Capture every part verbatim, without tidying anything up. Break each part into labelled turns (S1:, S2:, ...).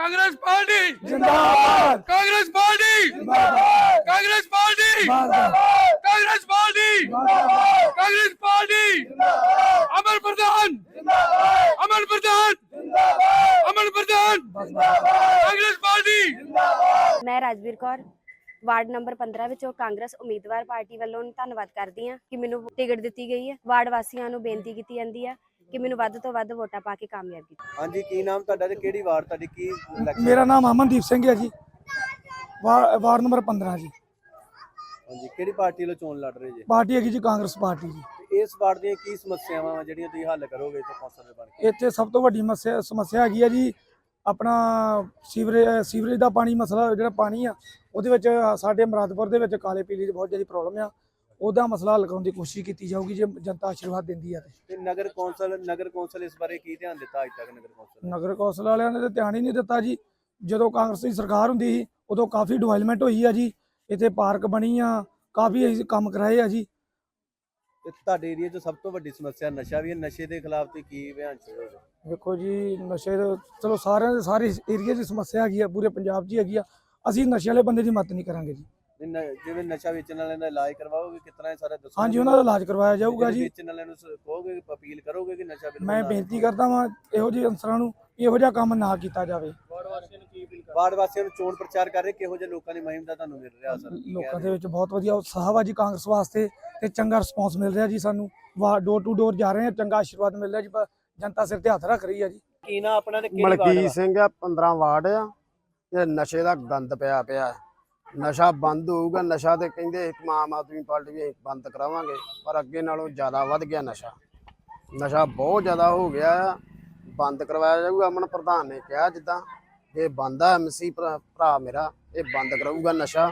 S1: Congress party
S2: जिंदाबाद
S1: Congress party
S2: जिंदाबाद
S1: Congress party
S2: जिंदाबाद
S1: Congress party Congress party Amar Pradhan Amar Pradhan Amar Pradhan Congress party.
S3: मैं राजवीर कौर वार्ड नंबर पंद्रह ਵਿੱਚੋਂ ਕਾਂਗਰਸ ਉਮੀਦਵਾਰ ਪਾਰਟੀ ਵੱਲੋਂ ਧੰਨਵਾਦ ਕਰਦੀ ਹਾਂ ਕਿ ਮੈਨੂੰ ਟਿਕਟ ਦਿੱਤੀ ਗਈ ਹੈ। ਵਾਰਡ ਵਾਸੀਆਂ ਨੂੰ ਬੇਨਤੀ ਕੀਤੀ ਜਾਂਦੀ ਹੈ ਕਿ ਮੈਨੂੰ ਵੱਧ ਤੋਂ ਵੱਧ ਵੋਟਾਂ ਪਾ ਕੇ ਕਾਮਯਾਬ ਕੀਤਾ।
S4: ਹਾਂਜੀ, ਕੀ ਨਾਮ ਤੁਹਾਡਾ ਤੇ ਕਿਹੜੀ ਵਾਰਡ ਤੁਹਾਡੀ ਕੀ election?
S2: ਮੇਰਾ ਨਾਮ ਅਮਨਦੀਪ ਸਿੰਘ ਹੈ ਜੀ, ਵਾ- ਵਾਰਡ ਨੰਬਰ ਪੰਦਰਾਂ ਜੀ।
S4: ਹਾਂਜੀ, ਕਿਹੜੀ ਪਾਰਟੀ ਵੱਲੋਂ ਚੋਣ ਲੜ ਰਹੇ ਜੀ?
S2: ਪਾਰਟੀ ਹੈਗੀ ਜੀ ਕਾਂਗਰਸ ਪਾਰਟੀ ਜੀ।
S4: ਤੇ ਇਸ ਵਾਰਡ ਦੀਆਂ ਕੀ ਸਮੱਸਿਆਵਾਂ ਵਾ ਜਿਹੜੀਆਂ ਤੁਸੀਂ ਹੱਲ ਕਰੋਗੇ ਇੱਥੇ ਕੌਂਸਲ ਦੇ ਬਣ ਕੇ?
S2: ਇੱਥੇ ਸਭ ਤੋਂ ਵੱਡੀ ਮਸਿਆ ਸਮੱਸਿਆ ਹੈਗੀ ਆ ਜੀ ਆਪਣਾ ਸੀਵਰੇਜ ਸੀਵਰੇਜ ਦਾ ਪਾਣੀ ਮਸਲਾ। ਜਿਹੜਾ ਪਾਣੀ ਆ ਉਹਦੇ ਵਿੱਚ ਸਾਡੇ ਮੁਰਾਦਪੁਰ ਦੇ ਵਿੱਚ ਕਾਲੇ ਪੀਲੀ ਦੀ ਬਹੁਤ ਜ਼ਿਆਦਾ ਪ੍ਰੋਬਲਮ ਆ। ਉਹਦਾ ਮਸਲਾ ਹੱਲ ਕਰਨ ਦੀ ਕੋਸ਼ਿਸ਼ ਕੀਤੀ ਜਾਊਗੀ ਜੇ ਜਨਤਾ ਆਸ਼ੀਰਵਾਦ ਦਿੰਦੀ ਆ ਤੇ।
S4: ਤੇ ਨਗਰ ਕੌਂਸਲ ਨਗਰ ਕੌਂਸਲ ਇਸ ਬਾਰੇ ਕੀ ਧਿਆਨ ਦਿੱਤਾ ਅੱਜ ਤੱਕ? ਨਗਰ ਕੌਂਸਲ
S2: ਨਗਰ ਕੌਂਸਲ ਵਾਲਿਆਂ ਨੇ ਤਾਂ ਧਿਆਨ ਹੀ ਨਹੀਂ ਦਿੱਤਾ ਜੀ। ਜਦੋਂ ਕਾਂਗਰਸ ਦੀ ਸਰਕਾਰ ਹੁੰਦੀ ਸੀ ਉਦੋਂ ਕਾਫੀ ਡਿਵੈਲਪਮੈਂਟ ਹੋਈ ਆ ਜੀ। ਇੱਥੇ ਪਾਰਕ ਬਣੀ ਆ, ਕਾਫੀ ਅਸੀਂ ਕੰਮ ਕਰਾਏ ਆ ਜੀ।
S4: ਤੇ ਤੁਹਾਡੇ ਏਰੀਆ 'ਚ ਸਭ ਤੋਂ ਵੱਡੀ ਸਮੱਸਿਆ ਨਸ਼ਾ ਵੀ ਹੈ। ਨਸ਼ੇ ਦੇ ਖਿਲਾਫ ਤੁਸੀਂ ਕੀ ਅਭਿਆਨ ਛੇੜੋਗੇ?
S2: ਵੇਖੋ ਜੀ, ਨਸ਼ੇ ਦਾ ਚਲੋ ਸਾਰਿਆਂ ਦੇ ਸਾਰੇ ਏਰੀਆ ਦੀ ਸਮੱਸਿਆ ਹੈਗੀ ਆ, ਪੂਰੇ ਪੰਜਾਬ 'ਚ ਹੀ ਹੈਗੀ ਆ। ਅਸੀਂ ਨਸ਼ੇ ਵਾਲੇ ਬੰਦੇ ਦੀ ਮਦਦ ਨਹੀਂ ਕਰਾਂਗੇ ਜੀ।
S4: ਤੇ ਨ- ਜਿਵੇਂ ਨਸ਼ਾ ਵੇਚਣ ਵਾਲਿਆਂ ਦਾ ਇਲਾਜ ਕਰਵਾਓਗੇ, ਕਿਸ ਤਰ੍ਹਾਂ ਇਹ ਸਾਰਾ ਦੱਸੋ?
S2: ਹਾਂਜੀ, ਉਹਨਾਂ ਦਾ ਇਲਾਜ ਕਰਵਾਇਆ ਜਾਊਗਾ ਜੀ।
S4: ਵੇਚਣ ਵਾਲਿਆਂ ਨੂੰ ਸ- ਕਹੋਗੇ, ਅਪੀਲ ਕਰੋਗੇ ਕਿ ਨਸ਼ਾ ਬਿਲਕੁਲ
S2: ਮੈਂ
S4: ਨਾ
S2: ਬੇਨਤੀ ਕਰਦਾ ਵਾਂ ਇਹੋ ਜਿਹੇ ਅਨਸਰਾਂ ਨੂੰ ਇਹੋ ਜਿਹਾ ਕੰਮ ਨਾ ਕੀਤਾ ਜਾਵੇ।
S4: ਵਾਰਡ ਵਾਸੀਆਂ ਨੂੰ ਚੋਣ ਪ੍ਰਚਾਰ ਕਰ ਰਹੇ, ਕਿਹੋ ਜਿਹੇ ਲੋਕਾਂ ਦੀ ਮੁਹਿੰਮ ਦਾ ਤੁਹਾਨੂੰ ਮਿਲ ਰਿਹਾ ਅਸਰ?
S2: ਲੋਕਾਂ ਦੇ ਵਿੱਚ ਬਹੁਤ ਵਧੀਆ ਉਤਸ਼ਾਹ ਵਾ ਜੀ ਕਾਂਗਰਸ ਵਾਸਤੇ ਤੇ ਚੰਗਾ ਰਿਸਪੌਂਸ ਮਿਲ ਰਿਹਾ ਜੀ। ਸਾਨੂੰ ਵਾ ਡੋਰ ਟੂ ਡੋਰ ਜਾ ਰਹੇ ਆ, ਚੰਗਾ ਆਸ਼ੀਰਵਾਦ ਮਿਲ ਰਿਹਾ ਜੀ। ਪ- ਜਨਤਾ ਸਿਰ ਤੇ ਹੱਥ ਰੱਖ ਰਹੀ ਆ ਜੀ।
S4: ਕੀ ਨਾ ਆਪਣਾ ਤੇ ਕਿਹੜੀ ਵਾਰਡ
S5: ਮਲਕੀਤ
S4: ਵਾ?
S5: ਸਿੰਘ ਆ, ਪੰਦਰਾਂ ਵਾਰਡ ਆ। ਇਹ ਨਸ਼ੇ ਦਾ ਗੰਦ ਪਿਆ ਪਿਆ। ਨਸ਼ਾ ਬੰਦ ਹੋਊਗਾ। ਨਸ਼ਾ ਤੇ ਕਹਿੰਦੇ ਇੱਕ ਆਮ ਆਦਮੀ ਪਾਰਟੀ ਵੀ ਅਸੀਂ ਬੰਦ ਕਰਾਵਾਂਗੇ, ਪਰ ਅੱਗੇ ਨਾਲੋਂ ਜ਼ਿਆਦਾ ਵੱਧ ਗਿਆ ਨਸ਼ਾ। ਨਸ਼ਾ ਬਹੁਤ ਜ਼ਿਆਦਾ ਹੋ ਗਿਆ ਆ, ਬੰਦ ਕਰਵਾਇਆ ਜਾਊਗਾ। ਅਮਨ ਪ੍ਰਧਾਨ ਨੇ ਕਿਹਾ ਜਿੱਦਾਂ ਇਹ ਬੰਦ ਆ, ਐਮਸੀ ਭਰਾ ਮੇਰਾ ਇਹ ਬੰਦ ਕਰਾਊਗਾ ਨਸ਼ਾ।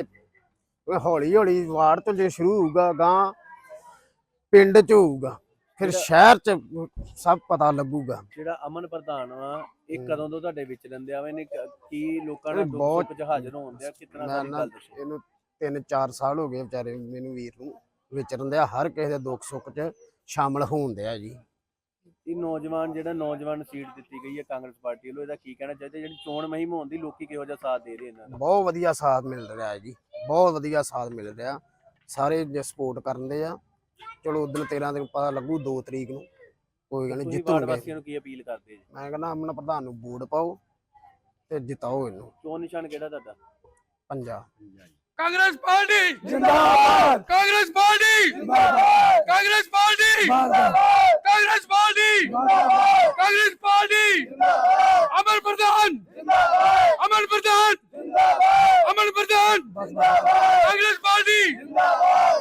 S5: ਇਹ ਹੌਲੀ ਹੌਲੀ ਵਾਰਡ ਤੋਂ ਜੇ ਸ਼ੁਰੂ ਹੋਊਗਾ, ਗਾਂ ਪਿੰਡ 'ਚ ਹੋਊਗਾ, ਫਿਰ ਸ਼ਹਿਰ 'ਚ ਸਭ ਪਤਾ ਲੱਗੂਗਾ।
S4: ਜਿਹੜਾ ਅਮਨ ਪ੍ਰਧਾਨ ਵਾ ਇਹ
S5: ਹਮ।
S4: ਕਦੋਂ ਤੋਂ ਤੁਹਾਡੇ ਵਿੱਚ ਰਹਿੰਦੇ ਆਵੇ ਨੇ? ਕ- ਕੀ ਲੋਕਾਂ ਨਾਲ
S5: ਇਹ
S4: ਦੁੱਖ
S5: ਬਹੁਤ-
S4: ਸੁੱਖ 'ਚ ਹਾਜ਼ਰ ਹੋਣ ਦਿਆ? ਕਿਤਨਾ
S5: ਮੈਂ
S4: ਸਾਰੀ
S5: ਨਾ
S4: ਗੱਲ ਦੱਸੋ।
S5: ਇਹਨੂੰ ਤਿੰਨ ਚਾਰ ਸਾਲ ਹੋ ਗਏ ਵਿਚਾਰੇ ਮੈਨੂੰ ਵੀਰ ਨੂੰ ਵਿਚਰਨ ਦਿਆ, ਹਰ ਕਿਸੇ ਦੇ ਦੁੱਖ ਸੁੱਖ 'ਚ ਸ਼ਾਮਲ ਹੋਣ ਦਿਆ ਜੀ।
S4: ਇਹ ਨੌਜਵਾਨ ਜਿਹੜਾ ਨੌਜਵਾਨ ਸੀਟ ਦਿੱਤੀ ਗਈ ਹੈ ਕਾਂਗਰਸ ਪਾਰਟੀ ਵੱਲੋਂ, ਇਹਦਾ ਕੀ ਕਹਿਣਾ ਚਾਹੀਦਾ? ਜਿਹੜੀ ਚੋਣ ਮੁਹਿੰਮ ਹੋਣ ਦੀ ਲੋਕੀ ਕਿਹੋ ਜਿਹਾ ਸਾਥ ਦੇ ਰਹੇ ਇਹਨਾਂ ਦਾ?
S5: ਬਹੁਤ ਵਧੀਆ ਸਾਥ ਮਿਲ ਰਿਹਾ ਹੈ ਜੀ, ਬਹੁਤ ਵਧੀਆ ਸਾਥ ਮਿਲ ਰਿਹਾ। ਸਾਰੇ ਜੇ ਸਪੋਰਟ ਕਰਨ ਦੇ ਆ। ਚਲੋ ਉਦੋਂ ਤੇਰਾਂ ਦਿਨ ਪਤਾ ਲੱਗੂ, ਦੋ ਤਰੀਕ ਨੂੰ ਕੋਈ ਗੱਲ ਨਹੀਂ
S4: ਤੁਸੀਂ ਵਾਰਡ
S5: ਜਿੱਤੂਗੇ।
S4: ਵਾਸੀਆਂ ਨੂੰ ਕੀ ਅਪੀਲ ਕਰਦੇ ਜੀ?
S5: ਮੈਂ ਕਹਿੰਦਾ ਅਮਨ ਪ੍ਰਧਾਨ ਨੂੰ ਵੋਟ ਪਾਓ ਤੇ ਜਿਤਾਓ ਇਹਨੂੰ।
S4: ਚੋਣ ਨਿਸ਼ਾਨ ਕਿਹੜਾ ਤੁਹਾਡਾ?
S5: ਪੰਜਾ
S1: कांग्रेस पार्टी
S2: जिंदाबाद
S1: कांग्रेस पार्टी
S2: जिंदाबाद
S1: कांग्रेस पार्टी
S2: जिंदाबाद
S1: Congress party Congress party Amar Pradhan Amar Pradhan Amar Pradhan Congress party.